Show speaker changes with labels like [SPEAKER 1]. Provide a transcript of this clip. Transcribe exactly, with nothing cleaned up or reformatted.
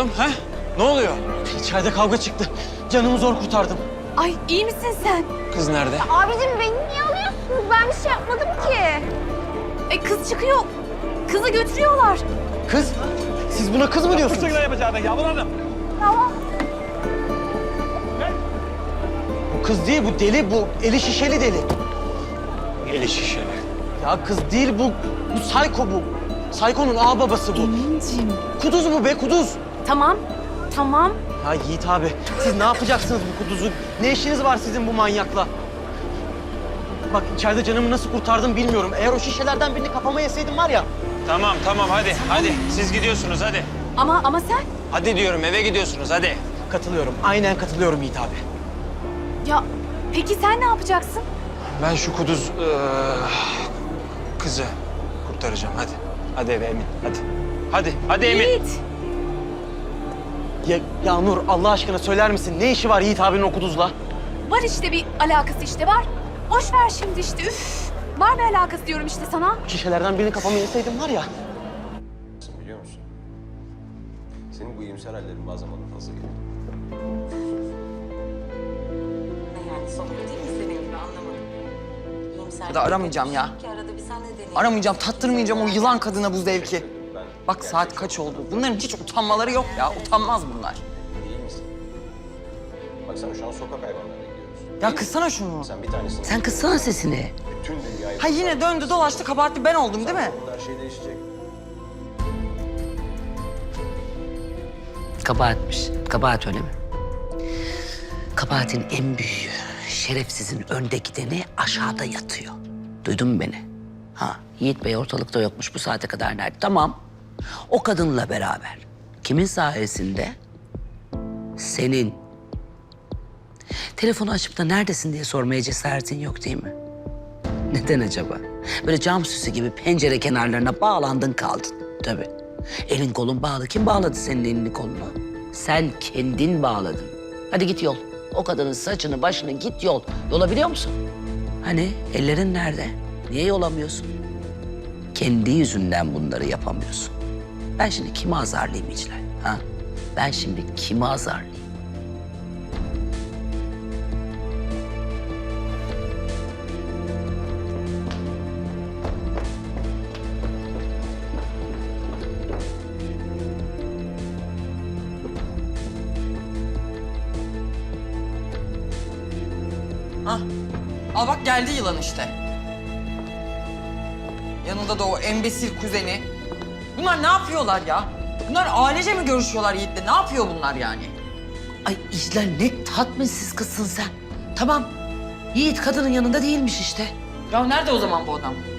[SPEAKER 1] oğlum ha? Ne oluyor?
[SPEAKER 2] İçeride kavga çıktı. Canımı zor kurtardım.
[SPEAKER 3] Ay iyi misin sen?
[SPEAKER 1] Kız nerede?
[SPEAKER 4] Abicim beni niye alıyorsunuz? Ben bir şey yapmadım ki.
[SPEAKER 3] E kız çıkıyor. Kızı götürüyorlar.
[SPEAKER 2] Kız? Siz buna kız mı diyorsunuz?
[SPEAKER 4] Tamam.
[SPEAKER 2] Bu kız değil, bu deli, bu eli şişeli deli.
[SPEAKER 1] Eli şişeli.
[SPEAKER 2] Ya kız değil bu, bu Sayko bu. Sayko'nun ağ babası bu.
[SPEAKER 3] Emin'cim.
[SPEAKER 2] Kuduz bu be, kuduz.
[SPEAKER 3] Tamam, tamam.
[SPEAKER 2] Ya Yiğit abi, siz ne yapacaksınız bu kuduzu? Ne işiniz var sizin bu manyakla? Bak içeride canımı nasıl kurtardım bilmiyorum. Eğer o şişelerden birini kafama yeseydim var ya...
[SPEAKER 1] Tamam tamam hadi hadi siz gidiyorsunuz hadi.
[SPEAKER 3] Ama ama sen?
[SPEAKER 1] Hadi diyorum eve gidiyorsunuz hadi.
[SPEAKER 2] Katılıyorum, aynen katılıyorum Yiğit abi.
[SPEAKER 3] Ya peki sen ne yapacaksın?
[SPEAKER 1] Ben şu kuduz eee, kızı kurtaracağım hadi. Hadi eve Emin hadi. Hadi hadi Emin.
[SPEAKER 3] Yiğit.
[SPEAKER 2] Ya, ya Nur Allah aşkına söyler misin? Ne işi var Yiğit abinin o kuduzla?
[SPEAKER 3] Var işte bir alakası işte var. Boş ver şimdi işte üf. Var bir alakası diyorum işte sana.
[SPEAKER 2] Şişelerden birini kafama yeseydim var ya...
[SPEAKER 5] Biliyor musun? Senin bu iyimser hallerin bazen bana fazla geliyor.
[SPEAKER 6] Yani sohbet değil mi senin gibi anlamadım. İyimser
[SPEAKER 7] Ya da aramayacağım ya.
[SPEAKER 6] ki arada bir sen de deneyelim.
[SPEAKER 7] Aramayacağım, tattırmayacağım o yılan kadına bu zevki. Bak saat kaç oldu. Bunların hiç utanmaları yok ya. Utanmaz bunlar.
[SPEAKER 5] İyi misin? Baksana şu an sokak hayvanlarına gidiyoruz.
[SPEAKER 7] Ya kıssana şunu.
[SPEAKER 5] Sen bir tanesini...
[SPEAKER 6] Sen kıssana sesini.
[SPEAKER 5] Bütün dünyayı...
[SPEAKER 7] Ha yine döndü dolaştı kabahatli ben oldum değil mi?
[SPEAKER 5] Her şey değişecek.
[SPEAKER 6] Kabahatmiş. Kabahat öyle mi? Kabahatin en büyüğü, şerefsizin önde gideni aşağıda yatıyor. Duydun mu beni? Ha, Yiğit Bey ortalıkta yokmuş bu saate kadar nerede? Tamam. O kadınla beraber. Kimin sayesinde? Senin. Telefonu açıp da neredesin diye sormaya cesaretin yok değil mi? Neden acaba? Böyle cam süsü gibi pencere kenarlarına bağlandın kaldın. Tabii. Elin kolun bağlı. Kim bağladı senin elini kolunu? Sen kendin bağladın. Hadi git yol. O kadının saçını başını git yol. Yolabiliyor musun? Hani ellerin nerede? Niye yolamıyorsun? Kendi yüzünden bunları yapamıyorsun. Ben şimdi kimi azarlayayım İclal? Ha? Ben şimdi kimi azarlayayım?
[SPEAKER 7] Hah. Al bak geldi yılan işte. Yanında da o embesil kuzeni. Bunlar ne yapıyorlar ya? Bunlar ailece mi görüşüyorlar Yiğit'le? Ne yapıyor bunlar yani?
[SPEAKER 6] Ay İclal ne tatminsiz kızsın sen. Tamam. Yiğit kadının yanında değilmiş işte.
[SPEAKER 7] Ya nerede o zaman bu adam?